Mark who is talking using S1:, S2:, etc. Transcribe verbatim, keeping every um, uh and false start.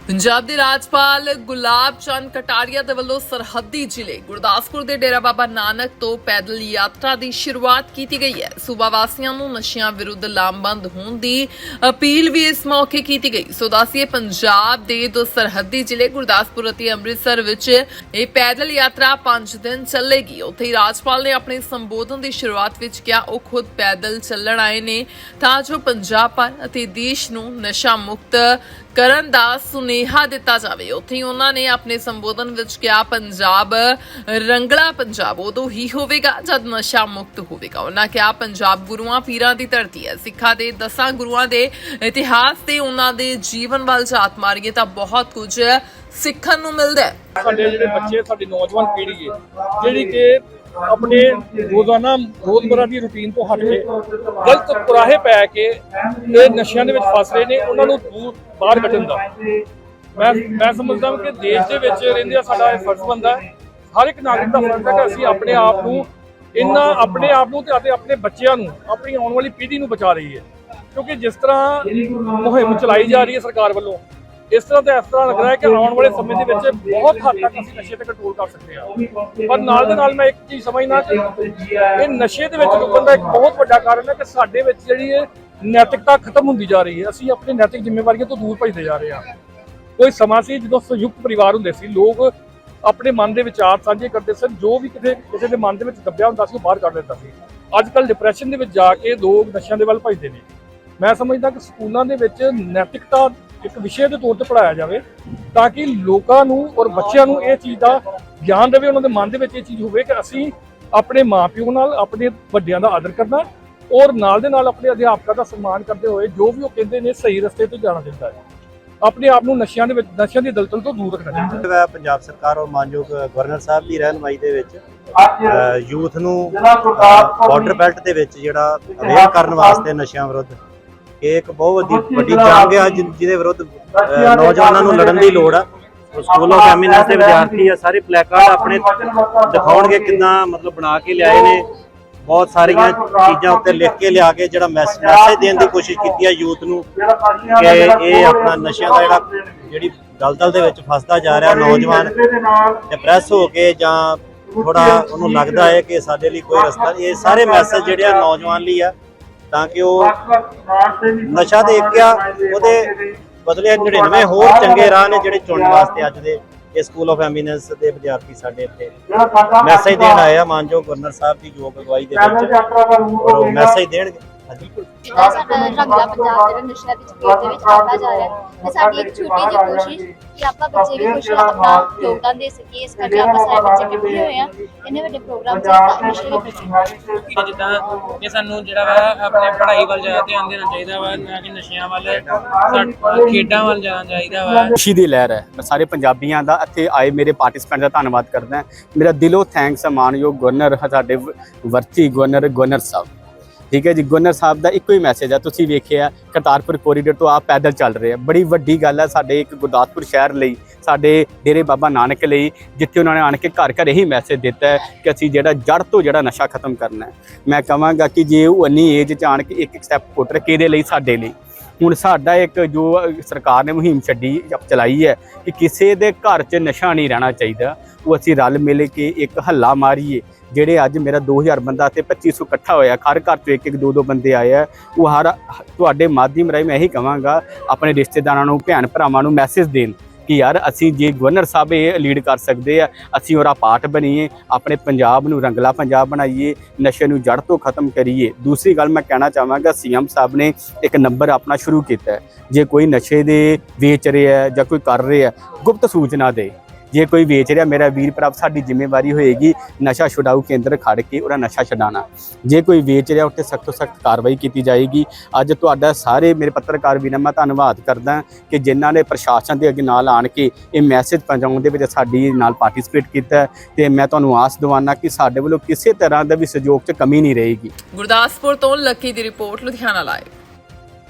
S1: पंजाब के राजपाल गुलाब चंद कटारिया के वलों सरहदी जिले गुरदासपुर के डेरा बाबा नानक तो पैदल यात्रा की शुरुआत की गई है। सूबा वासियों को नशियां विरुद्ध लामबंद होने की अपील भी इस मौके की गई। सो दसिए पंजाब के दो सरहदी जिले गुरदासपुर और अमृतसर विच ये पैदल यात्रा पांच दिन चलेगी। उत्थे ही राजपाल ने अपने संबोधन की शुरुआत विच कहा वो खुद पैदल चलण आए ने तां जो पंजाब पर अते देश नूं नशा मुक्त ਕਰਨ ਦਾ ਸੁਨੇਹਾ ਦਿੱਤਾ ਜਾਵੇ। ਉੱਥੇ ਹੀ ਉਹਨਾਂ ਨੇ ਆਪਣੇ ਸੰਬੋਧਨ ਵਿੱਚ ਕਿਹਾ ਪੰਜਾਬ ਰੰਗਲਾ ਪੰਜਾਬ ਉਦੋਂ ਹੀ ਹੋਵੇਗਾ ਜਦ ਨਸ਼ਾ ਮੁਕਤ ਹੋਵੇਗਾ। ਉਹਨਾਂ ਕਿਹਾ ਪੰਜਾਬ ਗੁਰੂਆਂ ਪੀਰਾਂ ਦੀ ਧਰਤੀ ਹੈ। ਸਿੱਖਾਂ ਦੇ ਦਸਾਂ ਗੁਰੂਆਂ ਦੇ ਇਤਿਹਾਸ ਤੇ ਉਹਨਾਂ ਦੇ ਜੀਵਨ ਵੱਲ ਝਾਤ ਮਾਰੀਏ ਤਾਂ ਬਹੁਤ ਕੁਝ ਸਿੱਖਣ ਨੂੰ ਮਿਲਦਾ ਹੈ।
S2: ਸਾਡੇ ਜਿਹੜੇ ਬੱਚੇ ਸਾਡੀ ਨੌਜਵਾਨ ਪੀੜ੍ਹੀ ਹੈ ਜਿਹੜੀ ਕਿ ਆਪਣੇ ਰੋਜ਼ਾਨਾ ਰੋਜ਼ਮਰਾ ਦੀ ਰੂਟੀਨ ਤੋਂ ਹਟ ਕੇ ਗਲਤ ਕੁਰਾਹੇ ਪੈ ਕੇ ਇਹ ਨਸ਼ਿਆਂ ਦੇ ਵਿੱਚ ਫਸ ਰਹੇ ਨੇ, ਉਹਨਾਂ ਨੂੰ ਦੂਰ ਬਾਹਰ ਕੱਢਣ ਦਾ ਮੈਂ ਮੈਂ ਸਮਝਦਾ ਹਾਂ ਕਿ ਦੇਸ਼ ਦੇ ਵਿੱਚ ਰਹਿੰਦਿਆਂ ਸਾਡਾ ਇਹ ਫਰਜ਼ ਬਣਦਾ ਹੈ। ਹਰ ਇੱਕ ਨਾਗਰਿਕ ਦਾ ਫਰਜ਼ ਹੈ ਕਿ ਅਸੀਂ ਆਪਣੇ ਆਪ ਨੂੰ ਇਹਨਾਂ ਆਪਣੇ ਆਪ ਨੂੰ ਤੇ ਅਤੇ ਆਪਣੇ ਬੱਚਿਆਂ ਨੂੰ ਆਪਣੀ ਆਉਣ ਵਾਲੀ ਪੀੜ੍ਹੀ ਨੂੰ ਬਚਾ ਰਹੀਏ, ਕਿਉਂਕਿ ਜਿਸ ਤਰ੍ਹਾਂ ਮੁਹਿੰਮ ਚਲਾਈ ਜਾ ਰਹੀ ਹੈ ਸਰਕਾਰ ਵੱਲੋਂ ਇਸ ਤਰ੍ਹਾਂ ਤਾਂ ਇਸ ਤਰ੍ਹਾਂ ਲੱਗ ਰਿਹਾ ਹੈ ਕਿ ਆਉਣ ਵਾਲੇ ਸਮੇਂ ਦੇ ਵਿੱਚ ਬਹੁਤ ਹੱਦ ਤੱਕ ਅਸੀਂ ਨਸ਼ੇ ਤੇ ਕੰਟਰੋਲ ਕਰ ਸਕਦੇ ਹਾਂ। ਪਰ ਨਾਲ ਦੇ ਨਾਲ ਮੈਂ ਇੱਕ ਚੀਜ਼ ਸਮਝਦਾ ਕਿ ਇਹ ਨਸ਼ੇ ਦੇ ਵਿੱਚ ਰੁਕਣ ਦਾ ਇੱਕ ਬਹੁਤ ਵੱਡਾ ਕਾਰਨ ਹੈ ਕਿ ਸਾਡੇ ਵਿੱਚ ਜਿਹੜੀ ਇਹ ਨੈਤਿਕਤਾ ਖਤਮ ਹੁੰਦੀ ਜਾ ਰਹੀ ਹੈ। ਅਸੀਂ ਆਪਣੀ ਨੈਤਿਕ ਜ਼ਿੰਮੇਵਾਰੀਆਂ ਤੋਂ ਦੂਰ ਭੱਜਦੇ ਜਾ ਰਹੇ ਹਾਂ। ਕੋਈ ਸਮਾਂ ਸੀ ਜਦੋਂ ਸੰਯੁਕਤ ਪਰਿਵਾਰ ਹੁੰਦੇ ਸੀ, ਲੋਕ ਆਪਣੇ ਮਨ ਦੇ ਵਿਚਾਰ ਸਾਂਝੇ ਕਰਦੇ ਸਨ, ਜੋ ਵੀ ਕਿਤੇ ਕਿਸੇ ਦੇ ਮਨ ਦੇ ਵਿੱਚ ਦੱਬਿਆ ਹੁੰਦਾ ਸੀ ਉਹ ਬਾਹਰ ਕੱਢ ਦਿੰਦਾ ਸੀ। ਅੱਜ ਕੱਲ੍ਹ ਡਿਪਰੈਸ਼ਨ ਦੇ ਵਿੱਚ ਜਾ ਕੇ ਲੋਕ ਨਸ਼ਿਆਂ ਦੇ ਵੱਲ ਭੱਜਦੇ ਨੇ। ਮੈਂ ਸਮਝਦਾ ਕਿ ਸਕੂਲਾਂ ਦੇ ਵਿੱਚ ਨੈਤਿਕਤਾ ਇੱਕ ਵਿਸ਼ੇ ਦੇ ਤੌਰ ਤੇ ਪੜ੍ਹਾਇਆ ਜਾਵੇ ਤਾਂ ਕਿ ਲੋਕਾਂ ਨੂੰ ਔਰ ਬੱਚਿਆਂ ਨੂੰ ਇਹ ਚੀਜ਼ ਦਾ ਗਿਆਨ ਰਵੇ, ਉਹਨਾਂ ਦੇ ਮਨ ਦੇ ਵਿੱਚ ਇਹ ਚੀਜ਼ ਹੋਵੇ ਕਿ ਅਸੀਂ ਆਪਣੇ ਮਾਪਿਓ ਨਾਲ ਆਪਣੇ ਵੱਡਿਆਂ ਦਾ ਆਦਰ ਕਰਨਾ ਔਰ ਨਾਲ ਦੇ ਨਾਲ ਆਪਣੇ ਅਧਿਆਪਕਾਂ ਦਾ ਸਨਮਾਨ ਕਰਦੇ ਹੋਏ ਜੋ ਵੀ ਉਹ ਕਹਿੰਦੇ ਨੇ ਸਹੀ ਰਸਤੇ ਤੇ ਜਾਣਾ ਚਾਹੀਦਾ ਹੈ। ਆਪਣੇ ਆਪ ਨੂੰ ਨਸ਼ਿਆਂ ਦੇ ਵਿੱਚ ਨਸ਼ਿਆਂ ਦੀ ਦਲਦਲ ਤੋਂ ਦੂਰ ਰੱਖਣਾ ਚਾਹੀਦਾ ਹੈ।
S3: ਪੰਜਾਬ ਸਰਕਾਰ ਔਰ ਮਾਨਯੋਗ ਗਵਰਨਰ ਸਾਹਿਬ ਦੀ ਰਹਿਨੁਮਾਈ ਦੇ ਵਿੱਚ ਯੂਥ ਨੂੰ ਬਾਰਡਰ ਬੈਲਟ ਦੇ ਵਿੱਚ ਜਿਹੜਾ ਅਵੇਅਰ ਕਰਨ ਵਾਸਤੇ ਨਸ਼ਿਆਂ ਵਿਰੁੱਧ ਇਹ ਇੱਕ ਬਹੁਤ ਵੱਡੀ ਵੱਡੀ ਜੰਗ ਹੈ ਜਿਹਦੇ ਵਿਰੁੱਧ ਨੌਜਵਾਨਾਂ ਨੂੰ ਲੜਨ ਦੀ ਲੋੜ ਆ। ਸਕੂਲ ਆਫ ਐਮੀਨੈਂਸ ਦੇ ਵਿਦਿਆਰਥੀ ਆ ਸਾਰੇ ਪਲੈਕਾਰਡ ਆਪਣੇ ਦਿਖਾਉਣਗੇ ਕਿੱਦਾਂ ਮਤਲਬ ਬਣਾ ਕੇ ਲਿਆਏ ਨੇ, ਬਹੁਤ ਸਾਰੀਆਂ ਚੀਜ਼ਾਂ ਉੱਤੇ ਲਿਖ ਕੇ ਲਿਆ ਕੇ ਜਿਹੜਾ ਮੈਸੇਜ ਦੇਣ ਦੀ ਕੋਸ਼ਿਸ਼ ਕੀਤੀ ਹੈ ਯੂਥ ਨੂੰ ਕਿ ਇਹ ਆਪਣਾ ਨਸ਼ਿਆਂ ਦਾ ਜਿਹੜਾ ਜਿਹੜੀ ਦਲਦਲ ਦੇ ਵਿੱਚ ਫਸਦਾ ਜਾ ਰਿਹਾ ਨੌਜਵਾਨ ਡਿਪਰੈਸ ਹੋ ਕੇ ਜਾਂ ਥੋੜਾ ਉਹਨੂੰ ਲੱਗਦਾ ਹੈ ਕਿ ਸਾਡੇ ਲਈ ਕੋਈ ਰਸਤਾ ਨਹੀਂ। ਇਹ ਸਾਰੇ ਮੈਸੇਜ ਜਿਹੜੇ ਆ ਨੌਜਵਾਨ ਲਈ ਆ ਤਾਂ ਕਿ ਉਹ ਨਸ਼ਾ ਦੇ ਇੱਕ ਆ ਉਹਦੇ ਬਦਲੇ ਨੜਿਨਵੇਂ ਹੋਰ ਚੰਗੇ ਰਾਹ ਨੇ ਜਿਹੜੇ ਚੁਣਨ ਵਾਸਤੇ ਅੱਜ ਦੇ ਇਹ ਸਕੂਲ ਆਫ ਐਮੀਨੈਂਸ ਦੇ ਵਿਦਿਆਰਥੀ ਸਾਡੇ ਇੱਥੇ ਮੈਸੇਜ ਦੇਣ ਆਏ ਆ ਮਾਨਯੋਗ ਗਵਰਨਰ ਸਾਹਿਬ ਦੀ ਯੋਗ ਅਗਵਾਈ ਦੇ ਵਿੱਚ ਔਰ ਮੈਸੇਜ ਦੇਣਗੇ।
S4: ਜਿਹੜਾ ਸਾਡਾ ਰੰਗਲਾ ਪੰਜਾਬ ਜਿਹੜਾ ਨਸ਼ਿਆਂ ਦੀ ਚਪੇਟ ਦੇ ਵਿੱਚ ਆਉਂਦਾ ਜਾ ਰਿਹਾ ਤੇ ਸਾਡੀ ਇੱਕ ਛੋਟੀ ਜਿਹੀ ਕੋਸ਼ਿਸ਼ ਕਿ ਆਪਾਂ ਬੱਚੇ ਵੀ ਕੁਝ ਆਪਣਾ ਯੋਗਦਾਨ ਦੇ ਸਕੀਏ। ਇਸ ਕਰਕੇ ਆਪਾਂ ਸਾਰੇ ਬੱਚੇ ਇਕੱਠੇ ਹੋਏ ਆ ਇੰਨੇ ਵੱਡੇ ਪ੍ਰੋਗਰਾਮ ਚ ਨਸ਼ੇ ਦੇ ਪ੍ਰਤੀ
S5: ਜਿੱਦਾਂ ਕਿ ਸਾਨੂੰ ਜਿਹੜਾ ਵਾ ਆਪਣੇ ਪੜ੍ਹਾਈ ਵੱਲ ਜ਼ਿਆਦਾ ਧਿਆਨ ਦੇਣਾ ਚਾਹੀਦਾ ਵਾ, ਨਾ ਕਿ ਨਸ਼ਿਆਂ ਵੱਲ, ਖੇਡਾਂ ਵੱਲ ਜਾਣਾ ਚਾਹੀਦਾ ਵਾ।
S6: ਖੁਸ਼ੀ ਦੀ ਲਹਿਰ ਹੈ। ਮੈਂ ਸਾਰੇ ਪੰਜਾਬੀਆਂ ਦਾ ਇੱਥੇ ਆਏ ਮੇਰੇ ਪਾਰਟਿਸਪੈਂਟ ਦਾ ਧੰਨਵਾਦ ਕਰਦਾ। ਮੇਰਾ ਦਿਲੋਂ ਥੈਂਕਸ ਹੈ ਮਾਨਯੋਗ ਗਵਰਨਰ ਸਾਡੇ ਵਰਤੀ ਗਵਰਨਰ ਗਵਰਨਰ ਸਾਹਿਬ। ਠੀਕ ਹੈ ਜੀ, ਗਵਰਨਰ ਸਾਹਿਬ ਦਾ ਇੱਕੋ ਹੀ ਮੈਸੇਜ ਹੈ। ਤੁਸੀਂ ਵੇਖਿਆ ਕਰਤਾਰਪੁਰ ਕੋਰੀਡੋਰ ਤੋਂ ਆਪ ਪੈਦਲ ਚੱਲ ਰਹੇ ਆ, ਬੜੀ ਵੱਡੀ ਗੱਲ ਹੈ ਸਾਡੇ ਇੱਕ ਗੁਰਦਾਸਪੁਰ ਸ਼ਹਿਰ ਲਈ, ਸਾਡੇ ਡੇਰੇ ਬਾਬਾ ਨਾਨਕ ਲਈ, ਜਿੱਥੇ ਉਹਨਾਂ ਨੇ ਆਣ ਕੇ ਘਰ ਘਰ ਇਹੀ ਮੈਸੇਜ ਦਿੱਤਾ ਹੈ ਕਿ ਅਸੀਂ ਜਿਹੜਾ ਜੜ ਤੋਂ ਜਿਹੜਾ ਨਸ਼ਾ ਖਤਮ ਕਰਨਾ ਹੈ। ਮੈਂ ਕਹਾਂਗਾ ਕਿ ਜੇ ਉਹ ਇੰਨੀ ਏਜ 'ਚ ਆਣ ਕੇ ਇੱਕ ਇੱਕ ਸਟੈਪ ਪੁੱਟ ਰਹੇ ਕਿਹਦੇ ਲਈ, ਸਾਡੇ ਲਈ। ਹੁਣ ਸਾਡਾ ਇੱਕ ਜੋ ਸਰਕਾਰ ਨੇ ਮੁਹਿੰਮ ਛੱਡੀ ਚਲਾਈ ਹੈ ਕਿ ਕਿਸੇ ਦੇ ਘਰ 'ਚ ਨਸ਼ਾ ਨਹੀਂ ਰਹਿਣਾ ਚਾਹੀਦਾ, ਉਹ ਅਸੀਂ ਰਲ ਮਿਲ ਕੇ ਇੱਕ ਹੱਲਾ ਮਾਰੀਏ। ਜਿਹੜੇ ਅੱਜ ਮੇਰਾ ਦੋ ਹਜ਼ਾਰ ਬੰਦਾ ਤੇ ਪੱਚੀ ਸੌ ਇਕੱਠਾ ਹੋਇਆ, ਹਰ ਘਰ 'ਚੋਂ ਇੱਕ ਇੱਕ ਦੋ ਦੋ ਬੰਦੇ ਆਏ ਆ, ਉਹ ਹਰ ਤੁਹਾਡੇ ਮਾਧਿਅਮ ਰਾਹੀਂ ਮੈਂ ਇਹੀ ਕਹਾਂਗਾ ਆਪਣੇ ਰਿਸ਼ਤੇਦਾਰਾਂ ਨੂੰ ਭੈਣ ਭਰਾਵਾਂ ਨੂੰ ਮੈਸੇਜ ਦੇਣ ਕਿ ਯਾਰ ਅਸੀਂ ਜੇ ਗਵਰਨਰ ਸਾਹਿਬ ਇਹ ਲੀਡ ਕਰ ਸਕਦੇ ਆ, ਅਸੀਂ ਉਹਦਾ ਪਾਰਟ ਬਣੀਏ, ਆਪਣੇ ਪੰਜਾਬ ਨੂੰ ਰੰਗਲਾ ਪੰਜਾਬ ਬਣਾਈਏ, ਨਸ਼ੇ ਨੂੰ ਜੜ ਤੋਂ ਖਤਮ ਕਰੀਏ। ਦੂਸਰੀ ਗੱਲ ਮੈਂ ਕਹਿਣਾ ਚਾਹਾਂਗਾ ਸੀ ਐਮ ਸਾਹਿਬ ਨੇ ਇੱਕ ਨੰਬਰ ਆਪਣਾ ਸ਼ੁਰੂ ਕੀਤਾ ਹੈ, ਜੇ ਕੋਈ ਨਸ਼ੇ ਦੇ ਵੇਚ ਰਿਹਾ ਜਾਂ ਕੋਈ ਕਰ ਰਿਹਾ ਗੁਪਤ ਸੂਚਨਾ ਦੇ, ਜੇ ਕੋਈ ਵੇਚ ਰਿਹਾ ਮੇਰਾ ਵੀਰ ਭਰਾ ਸਾਡੀ ਜ਼ਿੰਮੇਵਾਰੀ ਹੋਏਗੀ ਨਸ਼ਾ ਛੁਡਾਊ ਕੇਂਦਰ ਖੜ ਕੇ ਉਹਦਾ ਨਸ਼ਾ ਛਡਾਉਣਾ। ਜੇ ਕੋਈ ਵੇਚ ਰਿਹਾ ਉੱਤੇ ਸਖਤ ਤੋਂ ਸਖਤ ਕਾਰਵਾਈ ਕੀਤੀ ਜਾਏਗੀ। ਅੱਜ ਤੁਹਾਡਾ ਸਾਰੇ ਮੇਰੇ ਪੱਤਰਕਾਰ ਵੀਰਾਂ ਮੈਂ ਧੰਨਵਾਦ ਕਰਦਾ ਕਿ ਜਿਨ੍ਹਾਂ ਨੇ ਪ੍ਰਸ਼ਾਸਨ ਦੇ ਅੱਗੇ ਨਾਲ ਆਣ ਕੇ ਇਹ ਮੈਸੇਜ ਪਹੁੰਚਾਉਣ ਦੇ ਵਿੱਚ ਸਾਡੀ ਨਾਲ ਪਾਰਟਿਸਿਪੇਟ ਕੀਤਾ ਤੇ ਮੈਂ ਤੁਹਾਨੂੰ ਆਸ ਦਿਵਾਨਾ ਕਿ ਸਾਡੇ ਵੱਲੋਂ ਕਿਸੇ ਤਰ੍ਹਾਂ ਦਾ ਵੀ ਸਹਿਯੋਗ 'ਚ ਕਮੀ ਨਹੀਂ ਰਹੇਗੀ।
S1: ਗੁਰਦਾਸਪੁਰ ਤੋਂ ਲੱਕੀ ਦੀ ਰਿਪੋਰਟ, ਲੁਧਿਆਣਾ ਲਾਈਵ।